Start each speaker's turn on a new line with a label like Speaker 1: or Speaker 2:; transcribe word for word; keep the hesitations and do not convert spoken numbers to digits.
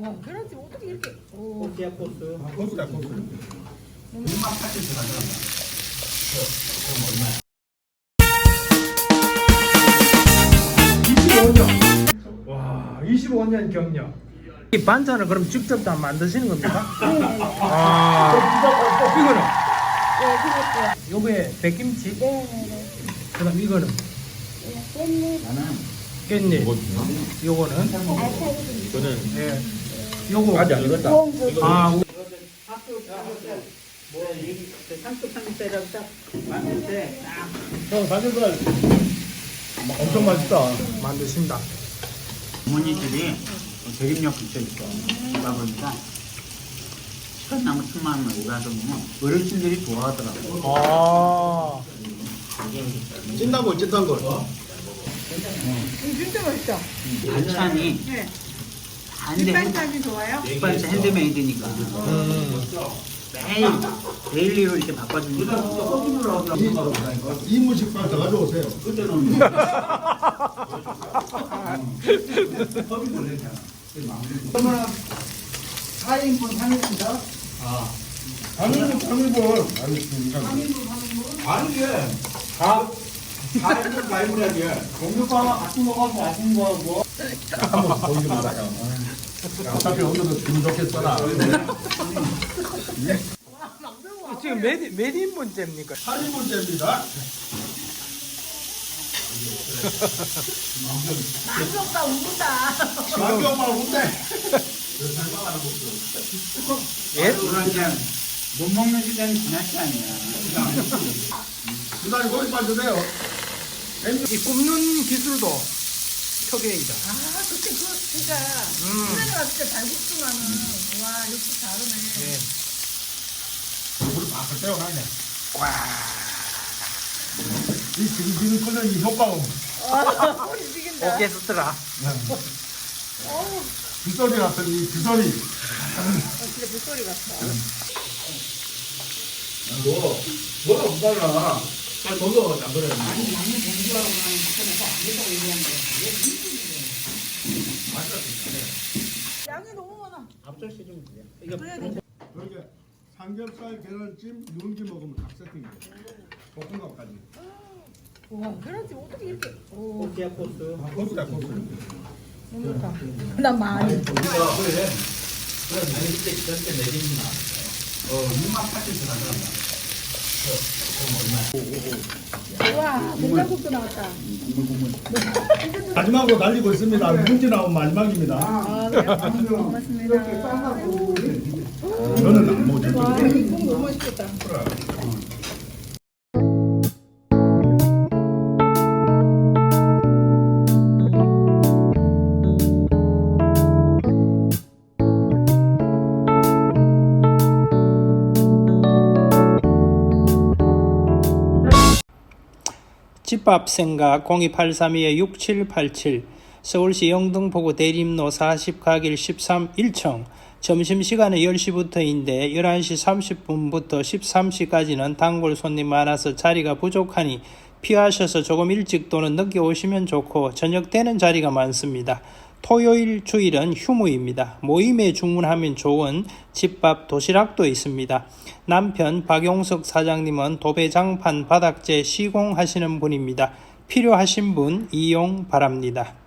Speaker 1: 와, 계란찜 어떻게 이렇게. 오.
Speaker 2: 코스야 코스.
Speaker 3: 아, 코스다 코스.
Speaker 2: 육만 팔천씩 가져간다. 그럼 얼마야?
Speaker 3: 이십오 년. 와, 이십오 년 경력.
Speaker 4: 이 반찬을 그럼 직접 다 만드시는 겁니까?
Speaker 1: 아.
Speaker 4: 이거는
Speaker 1: 네, 그렇죠.
Speaker 4: 요게 백김치.
Speaker 1: 네네네.
Speaker 4: 그다음 이거는
Speaker 1: 깻잎,
Speaker 4: 깻잎. 요거는
Speaker 1: 알차기.
Speaker 2: 저는
Speaker 4: 예. 요거
Speaker 2: 아직 안 익었다.
Speaker 1: 콩,
Speaker 4: 아, 우-
Speaker 2: 학교 삼겹살 뭐이 삼겹 삼겹살이라고 딱 만들 때딱
Speaker 3: 형 삼겹살 엄청 맛있다.
Speaker 4: 만드신다.
Speaker 2: 어머니들이 대림역 근처에 있어. 가 보니까 시간나무 틈만 오가서 보면 어르신들이 좋아하더라고.
Speaker 4: 아.
Speaker 3: 찐단 걸 찐단 걸.
Speaker 1: 음, 진짜 맛있다.
Speaker 2: 반찬이
Speaker 1: 네.
Speaker 2: 반대
Speaker 1: 뒷반찬이 좋아요?
Speaker 2: 뒷반찬 핸드메이드니까
Speaker 4: 음.
Speaker 2: 매일 데일리로 이렇게 바꿔주니까
Speaker 3: 이무식빵 더 가져오세요.
Speaker 2: 그러면 사 인분 삼 인분이다?
Speaker 3: 삼 인분 삼 인분. 아니 이게
Speaker 2: 다 사 인분 사 인분이야. 공주빵 같이 먹어서 맛있는 거고
Speaker 3: 한번 보이지 마라 형. 어차피 오늘도 기분 좋게 써라.
Speaker 4: 지금 몇, 몇 인분째입니까?
Speaker 3: 팔 인분째입니다.
Speaker 1: 만족다, 운다.
Speaker 3: 만경만 온대.
Speaker 4: 예?
Speaker 2: 그러니까 못 먹는 시간이 지났지 않냐.
Speaker 3: 그다음에 고기 빠주세요.
Speaker 4: 이 굽는 기술도 표계이다.
Speaker 1: 아, 그치, 그거 진짜.
Speaker 4: 음.
Speaker 1: 신나가 진짜 잘 굽지만은. 와, 역시 다르네.
Speaker 4: 예.
Speaker 3: 물을 막 떼어가냐. 이 지금 지금 끓는 이 효과음.
Speaker 1: 아, 소리 죽인다.
Speaker 4: 오케스트라.
Speaker 1: 어우,
Speaker 3: 빗소리 같은 이 빗소리.
Speaker 1: 어, 진짜 물소리 같다.
Speaker 3: 뭐 뭐가 없달라. 잘 먹어 안 그래.
Speaker 1: 양이 너무 많아.
Speaker 2: 앞절시 좀 그래. 이거
Speaker 1: 그래야 돼.
Speaker 3: 그러게 삼겹살 계란찜 누룽지 먹으면 딱 세팅돼. 볶음밥까지.
Speaker 1: 와, 계란찜 어떻게 이렇게. 오,
Speaker 2: 코스야 코스.
Speaker 3: 아, 코스다 코스.
Speaker 1: 너무 좋다. 난 많이.
Speaker 2: 우리가 그래. 그래 내릴 때 그때 내리나. 어 육만 팔천씩 가져간다.
Speaker 1: 와, 된장국도 나왔다.
Speaker 3: 마지막으로 달리고 있습니다. 누룽지 나온 마지막입니다.
Speaker 1: 아, 그래요? 고맙습니다.
Speaker 3: 저는 안 먹죠.
Speaker 1: 와, 이국 너무 맛있겠다.
Speaker 4: 집밥 생각 공이팔삼이 육칠팔칠 서울시 영등포구 대림로 사십 가길 십삼 일 층 점심시간은 열 시부터인데 열한 시 삼십 분부터 십삼 시까지는 단골 손님 많아서 자리가 부족하니 피하셔서 조금 일찍 또는 늦게 오시면 좋고 저녁 때는 자리가 많습니다. 토요일, 주일은 휴무입니다. 모임에 주문하면 좋은 집밥 도시락도 있습니다. 남편 박용석 사장님은 도배장판 바닥재 시공하시는 분입니다. 필요하신 분 이용 바랍니다.